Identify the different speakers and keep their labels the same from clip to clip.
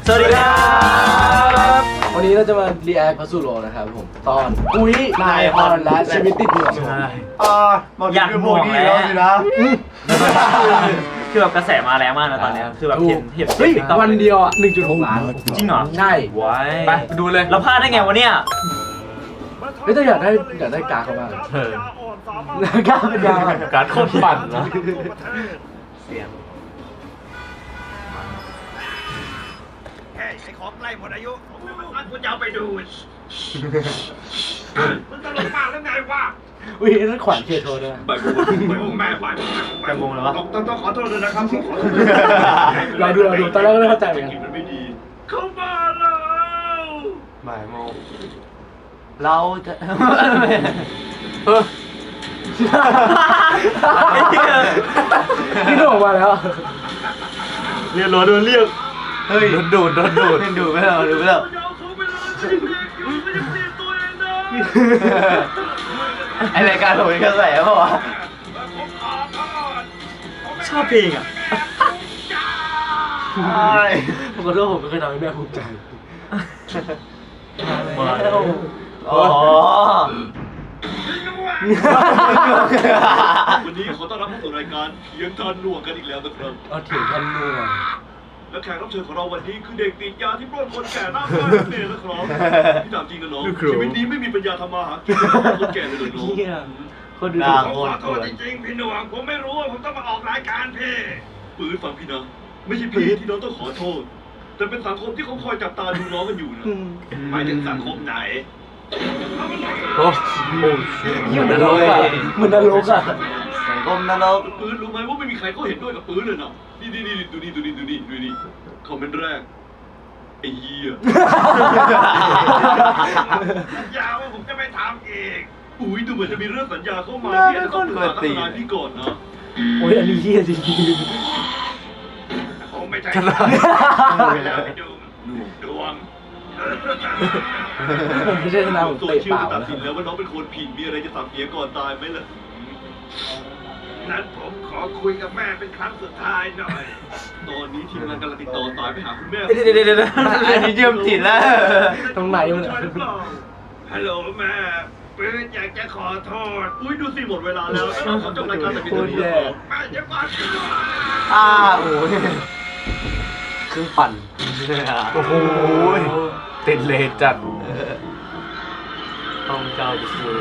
Speaker 1: สวัสดีครับ
Speaker 2: วันนี้เราจะมารีแอคพัสดุโรนะครับผมตอนอุ้ยนายพรและชีวิตติดห่วง
Speaker 1: อยากห่วงแล้วสินะคือแบบกระแสมาแรงมากนะตอนนี้คือแบบเห็น
Speaker 2: เฮ้ยวันเดียวอ่ะ 1.6 ล้าน
Speaker 1: จริงเหรอ
Speaker 2: ใช่
Speaker 1: ว้าย
Speaker 3: ไปดูเลย
Speaker 1: เราพลาดได้ไงวะเนี่ย
Speaker 2: เฮ้ยแต่อยากได้การ์ดเขามากการ์ดเป็นยาว
Speaker 3: การโคตรปั่นนะ
Speaker 1: เสียง
Speaker 4: ไอ้ของใกล้หมดอายุมันกูจะเอาไปดูมึงตลกมากแล้วไงวะ
Speaker 2: อุ้ยนั่นขวัญเคโทด้วย
Speaker 4: ไปบุ้งแม่ไป
Speaker 1: จะงงเลยวะ
Speaker 4: ต้องขอโทษด้วยนะครับขอโทษ
Speaker 2: เราดูตอนแรกก็ไม่เข้าใจเหมือนกัน
Speaker 4: มันไม่ดีเข้ามาแล้ว
Speaker 3: บ่ายโมง
Speaker 1: เราจะ
Speaker 2: พี่หนุ่มมาแล้ว
Speaker 1: เรียนรอโดนเรียก
Speaker 3: เฮ้ยดูด
Speaker 1: ไม่เอาดูไม่เอา
Speaker 4: จะเอาเขาไปเลยไม่ได้เรียกอยู่ไม่ได้เรียกตัวเองนะ
Speaker 1: ไอรายการผมเป็นกระแสเปล่าวะชอบเพลงอ่ะ
Speaker 2: ผมขอโทษผมไม่เคยทำให้แม่ภูมิใจ
Speaker 1: มาแล้วอ๋อ
Speaker 4: วันนี้ขอต้อนรับเข้าสู่รายการเถียงทานหนวกกันอีกแล้วนะครับ
Speaker 2: เอาเถียงท่านนู่น
Speaker 4: และแขกรับเชิญของเราวันนี้คือเด็กติดยาที่ปล้นคนแก่หน้าบ้านนี่นะครับพี่ถามจริงกันน้องชีวิตนี้ไม่มีปัญญาทำมาหากินคนแก่เลยเหรอน้อง
Speaker 2: เฮียคนดู
Speaker 4: ขอโทษจริงๆพี่หนวงผมไม่รู้ว่าผมต้องมาออกรายการพี่ปืนฟังพี่นะไม่ใช่พี่ที่น้องต้องขอโทษ แต่เป็นสังคมที่เขาคอยจับตาดูน้องกันอยู่นะหมายถึงสังคมไหน
Speaker 3: โอ้โห
Speaker 2: เหมือนนรกอ่ะเหมือนนรกอ่ะ
Speaker 1: สังคมนรก
Speaker 4: ปืนรู้ไหมว่าไม่มีใครเขาเห็นด้วยกับปืนเลยนะนี่ดูนี่คอมเมนต์แรกไอ้เหี้ยสัญญาว่าผมจะไม่ทำอีกอุ้ยดูเหมือนจะมีเรื่องสัญญาเข้ามาพี่จะต้องปรึกษาทนายพี่ก่อนนะ
Speaker 2: โอ้ยอันนี้เฮียจริง
Speaker 4: ผมไม่ใช่แล้วไปดูดวง
Speaker 2: ผมไม่ใช่ทนายผม
Speaker 4: โซ
Speaker 2: เตะ
Speaker 4: เชียล
Speaker 2: เปล่า
Speaker 4: จะตัด
Speaker 2: นะ
Speaker 4: สินแล้วว่าน้องเป็นคนผิดมีอะไรจะสั่งเสียก่อนตายไหมล่ะนั้นผมขอคุยกับแม่เป็นครั้งสุดท้ายหน่อย ตอนนี้ทีมงานกำลังติดต่อสายไปหาคุณแม่
Speaker 1: เดี๋ยวอันนี้เชื่อมจิตแล้ว
Speaker 2: ตรงไหนมัน
Speaker 4: ฮัลโหลแม่ปืนอยากจะขอโทษ อุ้ยดูสิหมดเวลาแล้วแล้วเราขอจบรายการแต่เพียงเท่านี้นะครับแม่จะก่อน
Speaker 1: โอ้ยเครื่องปั่น
Speaker 3: โอ้โหติดเลจัดต้องเจ้าจะคือ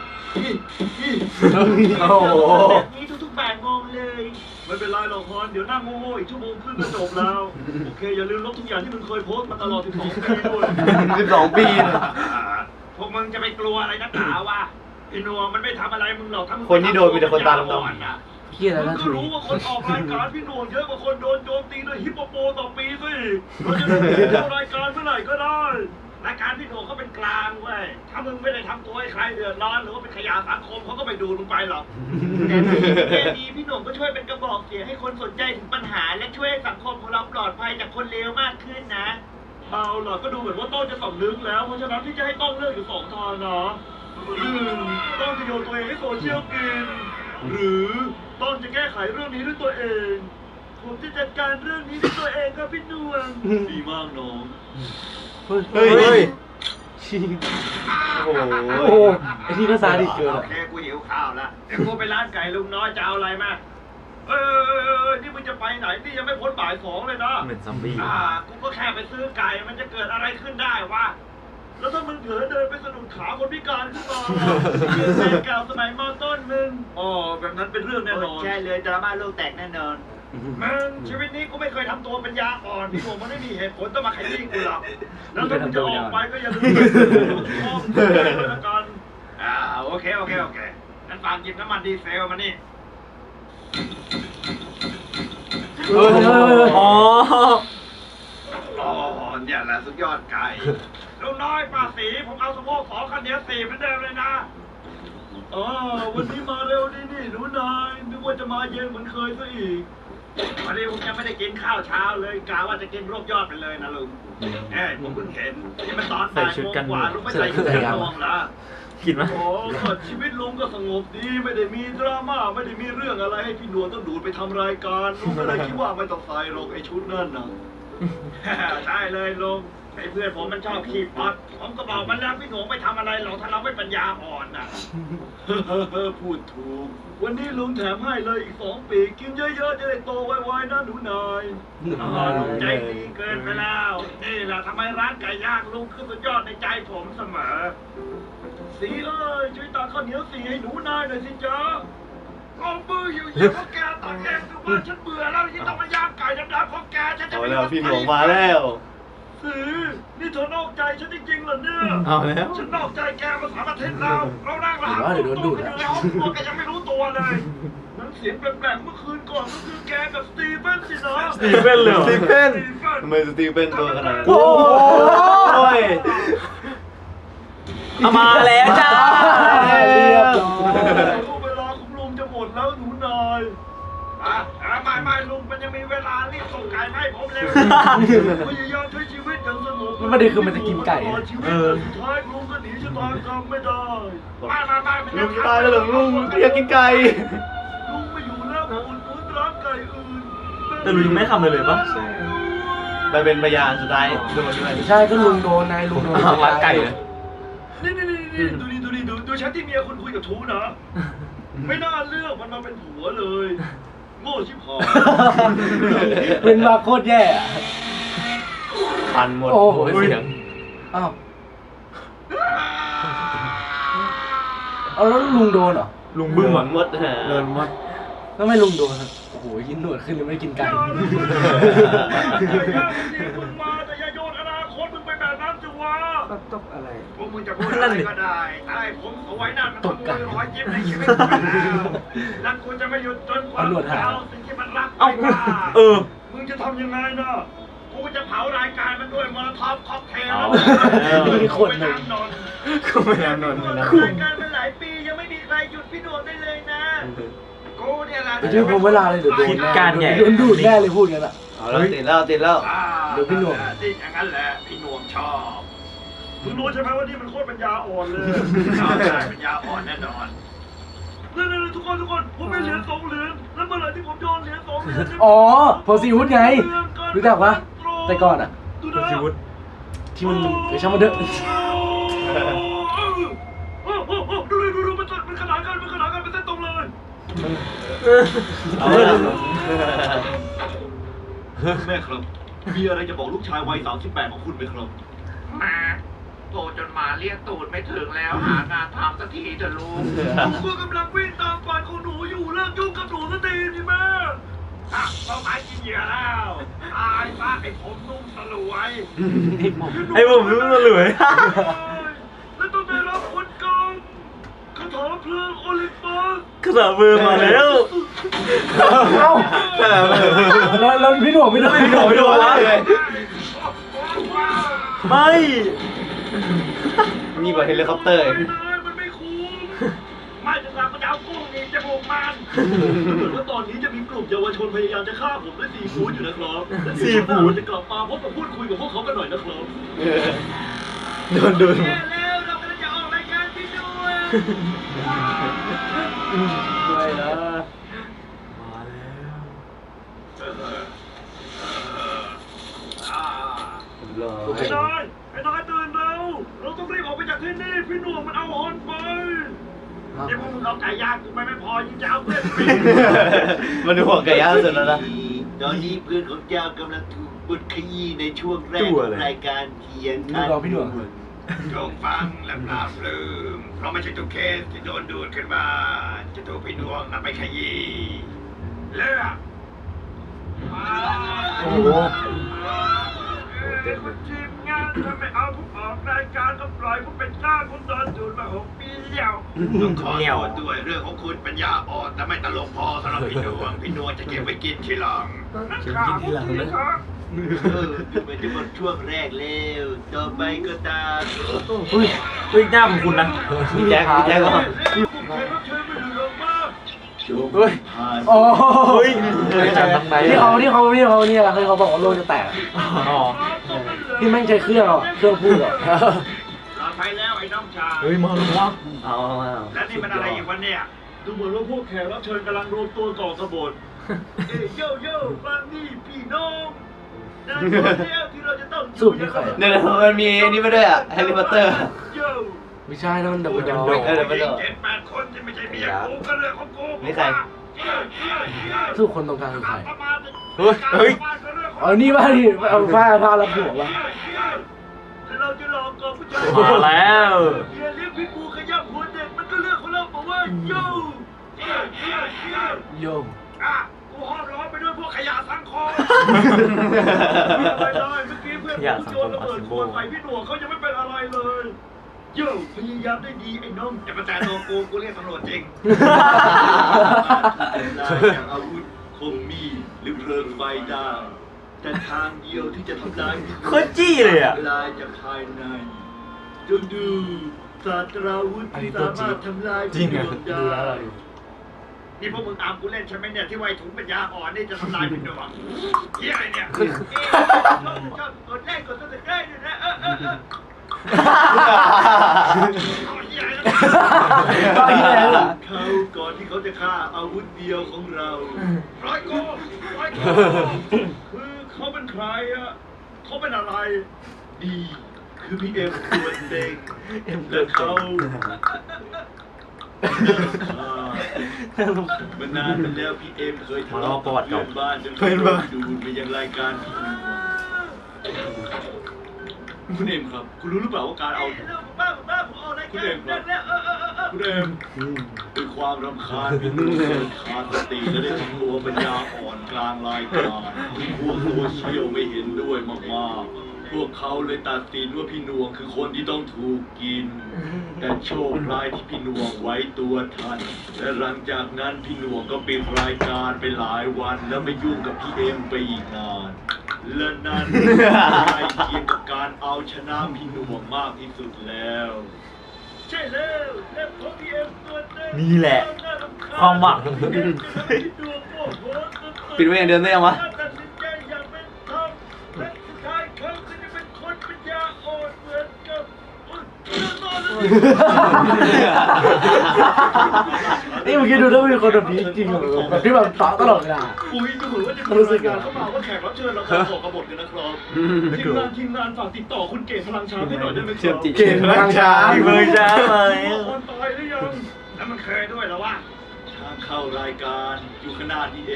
Speaker 1: โอ้โห
Speaker 4: แบบนี้ทุกๆแบบงงเลย ไม่เป็นไรหรอกฮอนเดี๋ยวนั่งโง่ๆอีกชั่วโมงครึ่งก็จบแล้ว โอเคอย่าลืมลบทุกอย่างที่มึงเคยโพสต์มาตลอด12 ปีด้วย
Speaker 1: 12 ปี
Speaker 4: พวกมึงจะไปกลัวอะไรนักหนาวะไอ้หนัวมันไม่ทำอะไรมึงหรอกถ้ามึง
Speaker 1: คนที่โดนมีแต่คนตาดำๆ
Speaker 4: ๆ
Speaker 2: เฮียแล้ว
Speaker 4: มึง
Speaker 2: นะ
Speaker 4: ก็
Speaker 2: ถุย
Speaker 4: รู้ว่าคนออกรายการพี่หนวงเยอะกว่าคนโดนโจมตีด้วยฮิปโปโปต่อปีสิเราจะได้ดูรายการเมื่อไหร่ก็ได้รายการพี่หนวงเขาเป็นกลางเว้ยถ้ามึงไม่ได้ทำตัวให้ใครเดือดร้อนหรือว่าเป็นขยะสังคมเขาก็ไม่ดูมึงไปหรอกแต่ดีพี่หนวงก็ช่วยเป็นกระบอกเสียงให้คนสนใจถึงปัญหาและช่วยให้สังคมของเราปลอดภัยจากคนเลวมากขึ้นนะเอาล่ะก็ดูเหมือนว่าต้นจะสำนึกแล้วเพราะฉะนั้นที่จะให้ต้องเลือกอยู่สองทางนะ1ต้องจะโยนตัวเองให้โซเชียลกิน หรือต้องจะแก้ไขเรื่องนี้ด้วยตัวเอง ผมจะจัดการเรื่องนี้ด้วยตัวเองครับพี่นวลดีมากน้อง
Speaker 1: เฮ้ย
Speaker 2: โอ้โหไอ้ที่ก็ซาดิสเกิน
Speaker 4: โอ
Speaker 2: อ่ะ
Speaker 4: เคกูหิวข้าวแล้วเดี๋ยวกูไปร้านไก่ลุงน้อยจะเอาอะไรมานี่มึงจะไปไหนนี่ยังไม่พ้นบ่าย2เลยนะ
Speaker 1: เหมือนซอมบี้
Speaker 4: กูก็แค่ไปซื้อไก่มันจะเกิดอะไรขึ้นได้วะแล้วถ้ามึงเผลอเดินไปสะดุดขาคนพิการขึ้นมายืนแฟนเก่าสมัยมต้นมึงอ๋อแบบนั้นเป็นเรื่องแน่นอน
Speaker 1: ใช่เลยดราม่าโลกแตกแน่นอน
Speaker 4: มึงชีวิตนี้กูไม่เคยทำตัวปัญญาอ่อนพี่ผมมันไม่มีเหตุผลต้องมาขยี้กูหรอกแล้วถ้ามึงจะออกไปก็อย่าลืมห้องด้วยละกันโอเคงั้นฝากหยิบน้ำมันดีเซลมานี่
Speaker 1: อ๋อ
Speaker 4: อ๋อเนี่ยแหละสุดยอดไก่ลุงน้อยป้าสีผมเอาสะโพก2คันเดียว4เหมือนเดิมเลยนะวันนี้มาเร็วนี่หนูนายนึกว่าจะมาเย็นเหมือนเคยซะอีกวันนี้ผมยังไม่ได้กินข้าวเช้าเลยกะว่าจะกินรวบยอดไปเลยนะลุงผมเพิ่งเห็นนี่มันตอนบ่ายโมงกว่าลุงไม่ใส่ชุดกันนองละ
Speaker 1: กินไหม
Speaker 4: โอ้ชีวิตลุงก็สงบดีไม่ได้มีดราม่าไม่ได้มีเรื่องอะไรให้พี่นวลต้องดูดไปทำรายการลุงก็เลยคิดว่าไม่ต้องใส่หรอกไอ้ชุดนั่นนะได้เลยลุงไอ้เพื่อนผมมันชอบขี้ป๊อตผมก็บอกมันแล้วพี่หนูไม่ทำอะไรหรอกถ้าเราไม่ปัญญาอ่อนน่ะ พูดถูก วันนี้ลุงแถมให้เลยอีก2 ปีกินเยอะๆจะได้โตไวๆนะหนูนายใจดีเกินไปแล้วนี่แหละทำไมร้านไก่ย่างลุงคือสุดยอดในใจผมเสมอสีเอ้ยช่วยตักข้าวเหนียวสีให้หนูนายหน่อยสิจ๊ะเอามืออยู่ๆเพราะแกตักเองคือว่าฉันเบื่อแล้วที่ต้องมาย่างไก่ดำๆของแกฉันจะ
Speaker 3: เอา
Speaker 4: ไม่
Speaker 3: แล้วพี่หลวงมาแล้ว
Speaker 4: สีนี่เธอนอกใจฉันจริงๆเหรอเนี่ย
Speaker 3: เอาแล้ว
Speaker 4: ฉันนอกใจแกมา3 อาทิตย์แล้วเรานั่งรหัสตัวกันอยู่ในห้องครัวแกยังไม่รู้ตัวเลยน้ำเสียงแปลกๆเมื่อคืนก่อนก็คือแกกับสตีเฟนสินะ
Speaker 1: สตีเฟนเลยเหรอ
Speaker 3: สตีเฟนทำไมสตีเฟนตัวขนาดนั้น
Speaker 1: โอ้ยเอามาแล้วจ้า
Speaker 2: เรียบร้อย
Speaker 4: เวลาของลุงจะหมดแล้วหนูนายไม่ลุงมันยังมีเวลารีบส่งไก่ให้ผมเร็วพยายามใช้ชีวิตอย่างสงบ
Speaker 2: มันประเด็นคือมันจะกินไก่
Speaker 4: ชีวิตสุดท้ายลุงก็หนีชะตากรรมไม่ได้ไม่
Speaker 3: ลุงจะตายแล้วเหรอลุงอยากกินไก่
Speaker 4: ลุงไม่อยู่แล้วอุ่นร้านไก่อื่น
Speaker 1: แต่ลุงยังไม่ทำเลยปะ
Speaker 3: ไปเป็นพยานสุดท้ายโดนด้วย
Speaker 2: ใช่ก็ลุงโดนนายลุงโดน
Speaker 3: รักไก่เลย
Speaker 4: นี่ดูแชทที่เมียคุณคุยกับชูนะ ไม่น่าเลือกมันมาเป็นผัวเลย โง่ชิบหาย
Speaker 2: เป็นมาโคตรแย่อะ
Speaker 3: พันหมด
Speaker 2: โอ้โห
Speaker 3: เสียง
Speaker 2: อ้าวเอาแล้วลุงโดนเหรอ
Speaker 1: ลุงบึ้มอ่ะ
Speaker 3: หมดเดินหมด
Speaker 2: แล้วไม่ลุงโดนอะโอ้โหกินหนวดขึ้นเลยไม่ได้กินไก่
Speaker 4: มึงมาแต่อย่าโยนอนาคตมึงไปแบบนั้นสิวะ
Speaker 2: ตบอะไร
Speaker 4: พวกมึงจะพูดอะไรก็ได้ไอ้ผมสวยนั่นมันขโมยรอยยิ้มในชีวิตกูไปแล้วและกูจะไม่หยุดจนกว่าเอาสิ่งที่มันรักไปได้ มึงจะทำยังไงนะกูจะเผารายการมันด้วยมอลท็อปค็อกเทล
Speaker 2: มีคนหนึ่ง
Speaker 3: ก็ไม่นานนนท์นะ
Speaker 4: รายการมาหลายปียังไม่มีใครหยุดพี่ดวงได้เลยนะกูเนี่ยแหละ
Speaker 2: ไปช่วยผมเวลาเลยเดี๋ยวโดน
Speaker 1: คิดการใหญ่
Speaker 2: โดนดูดแน่เลยพูดกันอะ
Speaker 3: เอาแล้วติดแล้วติดแล้ว
Speaker 2: เดี๋ยวพี่หน่วง
Speaker 4: ที่อย่างนั้นแหละพี่หน่วงชอบมึงรู้ใช่ไหมว่านี่มันโคตรปัญญาอ่อนเลยใช่ปัญญาอ่อนแน่นอนนี่ทุกคนผมมีเหรียญ2 เหรียญแล้วเมื่อไหร่ที่ผมโยนเหรียญ2 เหรียญ
Speaker 2: อ๋อโพสิวุฒไง รู้จักปะแต่ก่อนอะ
Speaker 4: ดูนะ
Speaker 1: ชีวิต
Speaker 2: ที่มันไปช่างมันเถอะ
Speaker 4: ดูมันขนานกันเป็นเส้นตรงเลย
Speaker 3: เอาแล้ว
Speaker 4: แม่ครับ มีอะไรจะบอกลูกชายวัย38ของคุณไหมครับ
Speaker 5: มาโตจนหมาเลี้ยงตูดไม่ถึงแล้วหางานทำสักทีเถอะลุง
Speaker 4: ผมก็กำลังวิ่งตามฝันของหนูอยู่เลิกยุ่งกับหนูสักทีสิแม่เป้าหมายกินเหยื่อแล้วตายซะไอ้ผมนุ่มสลวย
Speaker 1: ไอ้ผมรู้ตัวเลย
Speaker 4: แล้วต้องได้รับผลกรรมคาถาเพลิงโอลิมปัส
Speaker 1: กระสามือมาแล้ว
Speaker 2: เอ้าแล้วพี่หน่วงไม่โดน
Speaker 1: ไม่โดนไม่โดนวะ ไม่
Speaker 3: นี่กว่าเฮลิคอปเตอร์
Speaker 4: มันไม่คุ้มไม่จะทำมันจะเอากุ้งนี่จมูกมันเหมือนว่าตอนนี้จะมีกลุ่มเยาวชนพยายามจะฆ่าผมด้วยซีฟู้ดอยู่นะครับและเดี๋ยวช่วงหน้าเราจะกลับมาพบกับพูดคุยกับพวกเขากันหน่อยนะครับ
Speaker 3: โดนดู
Speaker 4: แย่แล้วเรากำลังจะออกรายการพี่ด้วย
Speaker 3: ไม่นะ
Speaker 4: ไอ้นายตื่นแล้วเราต้องรีบออกไปจากที่นี่พี่หน่วงมันเอาฮอนไปเดี๋ยวพวกมึงเอาไก่ย่างกูไม่พอยิ่งจะเอาเพื่อนไป
Speaker 3: มันดูห่วงไก่ย่างสุดแล้วนะ
Speaker 4: ตอนนี้เพื่อนของเจ้ากำลังถูกบดขยี้ในช่วงแรกของรายการเคียงข้าง
Speaker 2: รอพี่หน่วง
Speaker 4: จงฟังและปราบปลื้มเพราะไม่ใช่ทุกเคสที่โดนดูดขึ้นมา จะถูกพี่หน่วงนำไปขยี้เลือก
Speaker 2: โอ้โห
Speaker 4: เป็นทีมงานถ้าไม่เอาผมออกรายการก็ปล่อยผมเป็นเจ้าผมโดนดูดมา6 ปีแล้วต้องขอโทษด้วยเรื่องของคุณปัญญาอ่อนแต่ไม่ตลกพอสำหรับพี่หน่วงจะเก็บไว้กินทีหลัง
Speaker 1: เก็บไว้กินทีหลังนะ
Speaker 4: มันจะหมดช่วงแรกแล้วต่อไปก็ตาม
Speaker 1: อุ้ยหน้าของคุณนะ
Speaker 3: พี่แจ็คก็
Speaker 2: เฮ้ยโอ้
Speaker 1: เฮ้ย
Speaker 3: จากทางไหน
Speaker 2: ที่เขาเนี่ยคือเขาบอกว่าโลกจะแตก
Speaker 1: อ๋อ
Speaker 2: ที่แม่งใช้เครื่องอ่ะเครื่องพูดอ่ะ
Speaker 4: ปลอดภัยแล้วไอ้น้องชาย
Speaker 1: เฮ้ยมาแล้ววะ
Speaker 3: เอา
Speaker 4: และนี่มันอะไรอีกวันเนี่ย ดูเหมือนว่าพวกแขกรับเชิญกำลังรวมตัวก่อกบฏโย่ฟังนี่พี่น้อง ในและคนเดียวที่เราจะต้อง
Speaker 2: สูบนี่ใครอะ
Speaker 3: เดี๋ยวมันมีอันนี้มาด้วยอ่ะแฮร์รี่พอตเตอร์
Speaker 4: โย่
Speaker 2: ไม่ใช่นั่นมันดับเบิลดอ
Speaker 4: ผู้
Speaker 2: ร์
Speaker 4: หญิง7-8 คนที่ไม่ใช่เมียกูก็เรื่องของกู
Speaker 3: นี่ใคร
Speaker 2: สู้คนตรงกลางคือใคร
Speaker 3: เฮ้ย
Speaker 2: อ๋อนี่ป่ะที่เอาผ้ารับหัวป่ะ
Speaker 4: เราจะลองก่อนผู้ชาย
Speaker 1: มาแล้ว
Speaker 4: เฮียเลี้ยงพิษบูขยับหัวเด็กมันก็เรื่องของเราบอกว่าโย่
Speaker 2: โยม
Speaker 4: อ่ะกูห้อมล้อมไปด้วยพวกขยะสังคมไม่ได้เมื่อกี้เพื่อนกูโยนระเบิดขวดใส่พี่หนวกเขายังไม่เป็นอะไรเลยโย่พยายามได้ดีไอ้น้องแต่ประจานตัวกูเรียกตำรวจจริงได้จากอาวุธคมมีดหรือเพลิงไฟได้แต่ทางเดียวที่จะทำลาย
Speaker 1: โคตรจี้เลยอ่ะ
Speaker 4: ลายจากภายในจงดูศาสตราวุธที่สามารถทำลายพี่หนวก
Speaker 2: ดู
Speaker 4: ได้
Speaker 2: แล้วอะไร
Speaker 4: นี่พวกมึงตามกูเล่นใช่ไหมเนี่ยที่ไวถุงปัญญาอ่อนนี่จะทำลายพี่หนวกเฮียอะไรเนี่ยชอบกดไลค์กดซับสไครบ์ด้วยนะเฮียอะไรเขาก่อนที่เขาจะฆ่าอาวุธเดียวของเราร้อยโกคือเขาเป็นใครอะเขาเป็นอะไรดีคือพี่เอ็มตัวเด็กและเขามันนานมาแล้วพี่เอ็มเคยทะเลาะกับเพื่อนบ้านจนเขาโดนดูดไปยังรายการพี่ดูคุณเอ็มครับ คุณรู้หรือเปล่าว่าการเอาคุณเอ็มครับคุณเอ็มด้วยความรำคาญพี่ดูเกินขาดสติและได้ทำตัวปัญญาอ่อนกลางรายการพวกโซเชียลไม่เห็นด้วยมากๆพวกเขาเลยตัดสินว่าพี่นวงคือคนที่ต้องถูกกิน แต่โชคร้ายที่พี่นวงไว้ตัวทัน และหลังจากนั้นพี่นวงก็ปิดรายการไปหลายวันแล้วไม่ยุ่งกับพี่เอ็มไปอีกนาน และนั่นใกล้เคียงกับการเอาชนะพี่นวงมากที่สุดแล้ว ใช่แล้วและพอพี่เอ็มตัวเต็ม
Speaker 1: นี่แหละ ความหวัง
Speaker 3: ปิดไว้อย่างเดิมได้ยังวะ
Speaker 4: ตัดสินใจอย่างเป็นธรรมและสุดท้ายเขาจะเป็นคนปัญญาอ่อนเหมือนกับ
Speaker 2: นี่เมื่อกี้ดูแล้วมีคนแบบนี้จริงเหรอแบบที่แบบต่อตลอดเวลา
Speaker 4: อุ้ยดูเหมือนว่าจะมีรายการเข้ามาว่าแขกรับเชิญเราขอขอกระบฏกันนะครับทีมงานฝากติดต่อคุณเก๋พลังช้างให้หน่อยได้ไหมครับ
Speaker 2: เก่งมากช้า
Speaker 1: เมืองจ้ามา
Speaker 4: คนตายหรือยังแล้วมันเคยด้วยเหรอวะทางเข้ารายการอยู่ขนาดนี้เอง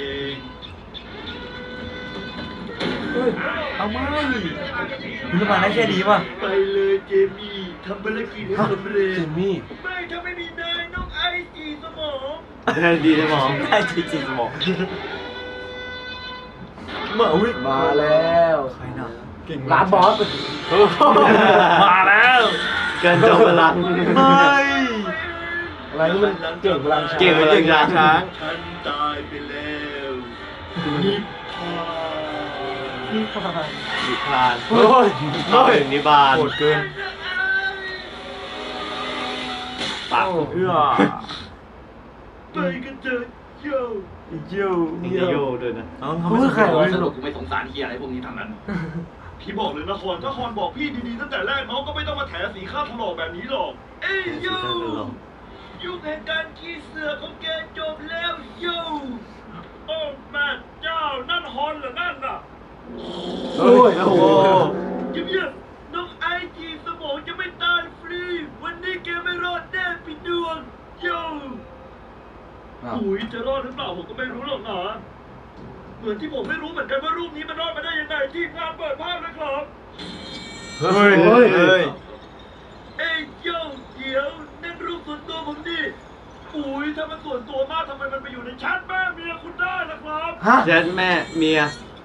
Speaker 1: เอาไม่คุณจะมาได้แค่นี้ป่ะ
Speaker 4: ไปเลยเจมี่ทำภารกิจให้สำเร็จ
Speaker 2: จิมมี่
Speaker 4: ไม่ถ้าไม่มีนายน้องไอจีสมอง
Speaker 3: ได้ดีสมอง
Speaker 1: ได้จริงๆสมองเมื่ออุ้ย
Speaker 2: มาแล้ว
Speaker 1: ใครน่ะ
Speaker 2: ร้านบอส
Speaker 1: มาแล้ว
Speaker 3: เกินจบเวลา
Speaker 1: เฮ้ย
Speaker 2: อะไรนี่มันเก่งพลังช้า
Speaker 3: เก่งพลังช้าง
Speaker 4: ฉันตายไปแล้วนิพพาน
Speaker 2: นี่ค่ะ
Speaker 3: นิพานโอ้ยเข้าถึงนิพาน
Speaker 1: โหดเกินปากเอื้อ
Speaker 4: ไปกันเถอะโย่
Speaker 1: เยี่ยว
Speaker 3: นี่จะโยด้วยนะ
Speaker 2: คุณคือใครวะสรุป
Speaker 4: กูไม่สงสารเฮียอะไรพวกนี้ทั้งนั้น พี่บอกเลยนะคอนถ้าคอนบอกพี่ดีๆตั้งแต่แรกน้องก็ไม่ต้องมาแถสีข้าวถลอกแบบนี้หรอก เอ้ยโย่ยุคแห่งการขี้เสือของแกจบแล้วโย่โอ้แม่เจ้านั่นฮอนเหรอนั่นน่ะ
Speaker 2: โอ้ย
Speaker 3: โอ้โห
Speaker 4: เงียบๆน้องไอจีสมองจะไม่ตายฟรี วันนี้แกไม่รอดแน่พี่ดวงโย่อุ้ยจะรอดหรือเปล่าผมก็ไม่รู้หรอกนะเหมือนที่ผมไม่รู้เหมือนกันว่ารูปนี้มันรอดมาได้ยังไงทีมงานเปิดภาพเลยครับ
Speaker 3: เฮ้ย เฮ้ย
Speaker 4: เอ้ยโย่เดี๋ยวนั่นรูปส่วนตัวผมดิอุ้ยถ้ามันส่วนตัวมากทำไมมันไปอยู่ในแชทแม่เมียคุณได้ล่ะครับ
Speaker 2: ฮะ
Speaker 3: แจ๊ดแม่เมีย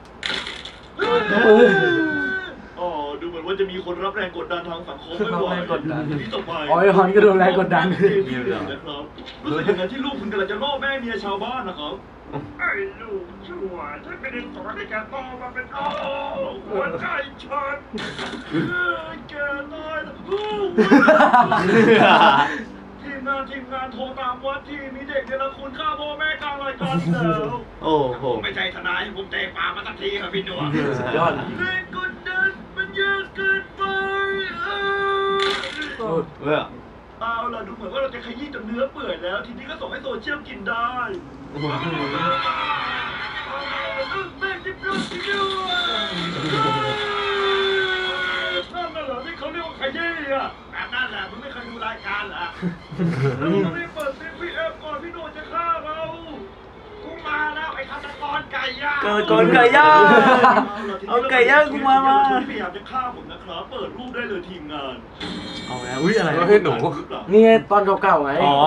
Speaker 4: อ๋อดูเหมือนว่าจะมีคนรับแรงกดดันทางสังคมไม่ไหว
Speaker 1: รับแรงกดดัน
Speaker 4: ทีนี้ต่อไป
Speaker 2: อ๋อไอ้ฮอนก็โดนแรงกดดัน
Speaker 4: นะครับรู้สึกอย่างนั้นที่ลูกคุณกำลังจะล่อแม่เมียชาวบ้านนะครับไอ้ลูกชั่วฉันไม่ได้สอนให้แกโตมาเป็นหัวใจฉันแกตายแล้วทีมงานโทรตามวัดที่มีเด็กเนรคุณฆ่าพ่อแม่กลางรายการแล้ว
Speaker 3: โอ้โห
Speaker 4: ผมไม่ใช่ทนายผมเตะปากมาสักทีครับพี่หนวด
Speaker 2: สุดยอด
Speaker 4: แรงกดดันมันเยอะเกินไป
Speaker 3: เว้ย
Speaker 4: เอาล่ะดูเหมือนว่าเราจะขยี้จนเนื้อเปื่อยแล้ว ทีนี้ก็ส่งให้โซเชียลกินได้แม่จะช่วยด้วยนั่นน่ะเหรอที่เขาเรียกว่าขยี้อ่ะแบบนั้นแหละมึงไม่เคยดูรายการเหรอแล้วมึงต้องรีบเปิดซิงพี่เอฟก่อนพี่โนจะฆ่าเรากูมาแล้วไอ้ฆาตกรไก่ย่าง
Speaker 1: เกิดก่อนไก่ย่าง เอาไก่ย่างกูมา
Speaker 4: พยายามจะฆ่าผมนะครับเปิดรูปได้เลยทีมงาน
Speaker 1: เอาแล้วอุ้ยอะไร
Speaker 3: เฮ้ยหนู
Speaker 2: นี่ไงตอนเก่าๆไง
Speaker 1: อ๋อ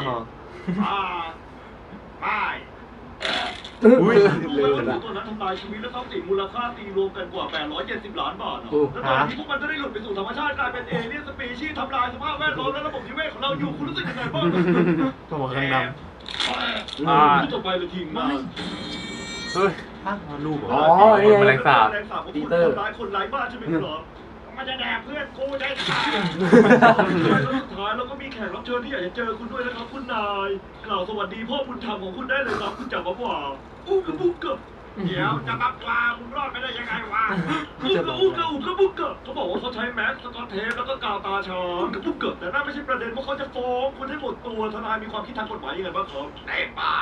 Speaker 4: ป้าย
Speaker 1: อุ้ย
Speaker 4: รู้ไหมว่าหนูตัวนั้นทำลายชีวิตและทรัพย์สินมูลค่าตีรวมกันกว่า870 ล้านบาทแล้วตอนนี้พวกมันจะได้หลุดไปสู่ธรรมชาติกลายเป็นเอเลี่ยนสปีชีส์ทำลายสภาพแวดล้อมและระบบนิเวศของเราอยู่คุณรู้สึกยังไงบ้าง
Speaker 3: ตัวข้างด
Speaker 4: พูดจบไปเลยทีมงาน
Speaker 3: ำเฮ้ยลูกเหร
Speaker 2: อ๋อ
Speaker 3: คนแมลงสาบ
Speaker 4: แมลงสาบปีเตอร์ทำร้ายคนไร้บ้านใช่ไหมครับมันจะแดกเพื่อนกูได้ค่ะสุดท้ายเราก็มีแขกรับเชิญที่อยากจะเจอคุณด้วยนะครับคุณนายกล่าวสวัสดีพ่อบุญธรรมของคุณได้เลยครับคุณจับมาว่าอู้กระบุกกะเดี๋ยวจะมาปลาคุณรอดไปได้ยังไงวะอู้กระบุกกะเขาบอกว่าเขาใช้แมสสกอตเทปแล้วก็กาวตาช้างกระบุกกะแต่นั่นไม่ใช่ประเด็นว่าเขาจะฟ้องคุณให้หมดตัวทนายมีความคิดทางกฎหมายยังไงบ้างครับในปาก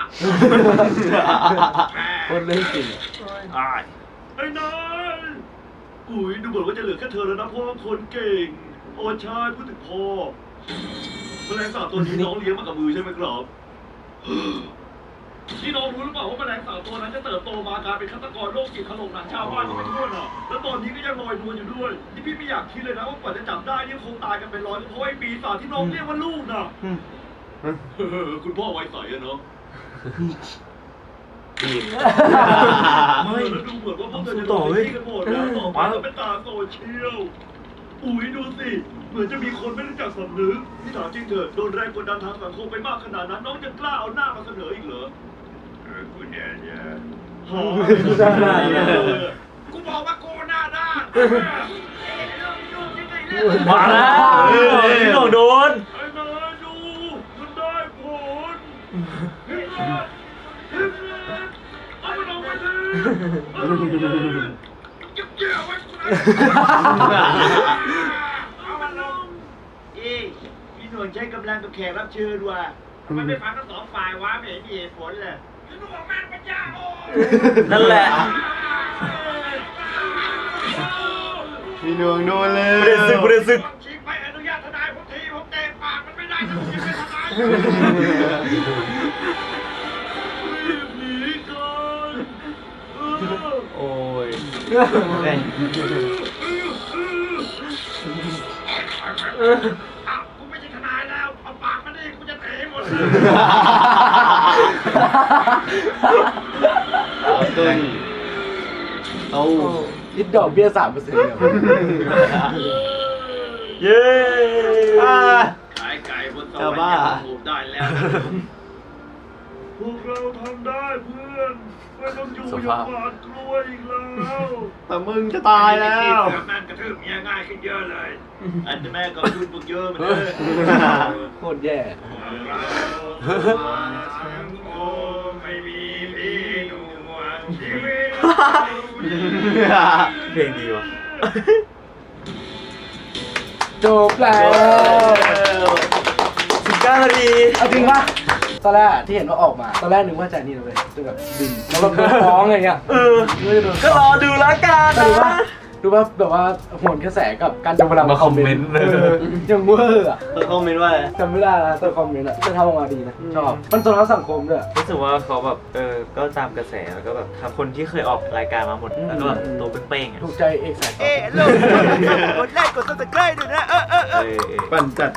Speaker 2: คนเล่นจริง
Speaker 4: ไอ้นายอุ้ยดูเหมือนว่าจะเหลือแค่เธอแล้วนะพ่อคนเก่งโอ้ใช่พูดถึงพ่อแมลงสาบตัวนี้น้องเลี้ยงมากับมือใช่ไหมครับที่น้องรู้หรือเปล่าว่าแมลงสาบตัวนั้นจะเติบโตมากลายเป็นฆาตกรโรคจิตถล่มหนังชาวบ้านกันไปทั่วน่ะแล้วตอนนี้ก็ยังลอยนวลอยู่ด้วยที่พี่ไม่อยากคิดเลยนะว่ากว่าจะจับได้นี่คงตายกันเป็นร้อยเพราะไอ้ปีศาจที่น้องเรียกว่าลูกน่ะคุณพ่อไว้ใสอะเนาะไม่แล้วดูเหมือนว่าพวกเธอจะโดนที่กันหมดแล้วต่อไปก็เป็นตาโซเชียลอุ้ยดูสิเหมือนจะมีคนไม่รู้จักสำนึกที่ถามจริงเถอะโดนแรงกดดันทางสังคมไปมากขนาดนั้นน้องยังกล้าเอาหน้ามาเสนออีกเหรอคุณแย่กูบอกว่ากูหน้าด้าน
Speaker 1: มาแล้วพี่หนูโดน
Speaker 4: ไอ้นายดูมันได้ผลเอามันออกมาดิจิ๊บเจียวไว้กูนะเอามันลงพี่หนวลใช้กำลังกับแขกรับเชิญว่ะทำไมไม่ฟังทั้งสองฝ่ายวะไม่เห็นมีเหตุผลเลยพี่หนวลแม่งปัญญาโง่
Speaker 1: นั่นแหละ
Speaker 3: มีหนวงโดนเลย
Speaker 1: ไม่ได้ซึก
Speaker 4: ชี้ไปอนุญาตทนายผมทีผมเตะปากมันไม่ได้ถ้าผมยังเป็นทนายหนีก่อน
Speaker 3: โอ้ย
Speaker 4: กูไม่ใช่ทนายแล้วเอาปากมาดิกูจะเตะหมดเลย
Speaker 3: ตึงเอา
Speaker 2: คิดดอกเบี้ย 3%เนี่ย
Speaker 1: เย้
Speaker 4: ขายไก่บนโต๊ะยังถูกได้แล้วพวกเราทำได้เพื่อนไม่ต้องอยู่อย่างหวาดกลัวอีกแล้ว
Speaker 3: แต่มึงจะตายแล้ว
Speaker 4: แม่งกระทืบเมียง่ายขึ้นเยอะเลยอันนี้แม่ก็พูดพวกเยอะเหมือนเดิม
Speaker 2: โคตรแย่
Speaker 4: ไม่มีพี่หนุ่มชีวิต
Speaker 1: เพลงดีว่ะ
Speaker 2: จบแล้ว
Speaker 1: 19 นาที
Speaker 2: เอาจริงปะตอนแรกที่เห็นว่าออกมา ตอนแรกนึกว่าจะนี่เลยจะแบบบินแล้วแบบโดนฟ้องอะไรเงี้ย
Speaker 1: ก็รอดูแล้วกัน
Speaker 2: ดู
Speaker 1: นะ
Speaker 2: ว่าดูว่าแบบว่าโหนกระแสกับการจะเวลา
Speaker 3: มาคอมเมนต์
Speaker 2: ยังเวอร์อ่ะ
Speaker 1: คอมเมนต์ว่าอะไร
Speaker 2: จำไม่ได้แล้วแต่คอมเมนต์อ่ะจะทำออกมาดีนะชอบมันสะท้อนสังคมด้วย
Speaker 1: รู้สึกว่าเขาแบบก็ตามกระแสแล้วก็แบบทำคนที่เคยออกรายการมาหมดแล้วก็แบบตัวเป้งๆอ่ะ
Speaker 2: ถูกใจเอกสาย
Speaker 1: เลิกกดไลค์กด subscribe ด้วยนะ
Speaker 3: ปั่นจัด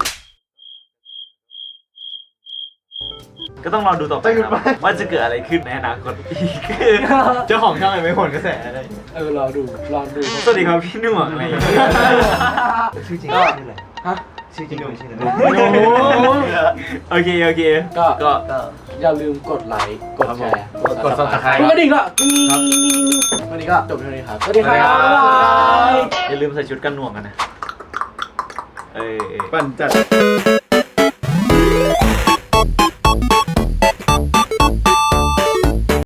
Speaker 1: ก็ต้องรอดูต่อไปครับว่าจะเกิดอะไรขึ้นในอนาคตอีกเจ้าของช่องไม่ผลกระแสอะไร
Speaker 2: รอดู
Speaker 1: สวัสดีครับพี่หนุ่มอะไรชื่อจริงชื่ออะไร
Speaker 2: ฮะ
Speaker 1: ชื่อจริงชื่ออะไร
Speaker 2: โอ้
Speaker 1: โอเคก็
Speaker 2: อย่าลืมกดไลค์กดแชร์
Speaker 3: กด subscribe
Speaker 2: กดกระดิ่งด้วยวันนี้ก็จบเท่านี้ครับสวัสดีครับ
Speaker 1: อย่าลืมใส่ชุดกันหน่วงกันนะ
Speaker 3: ปั่นจัด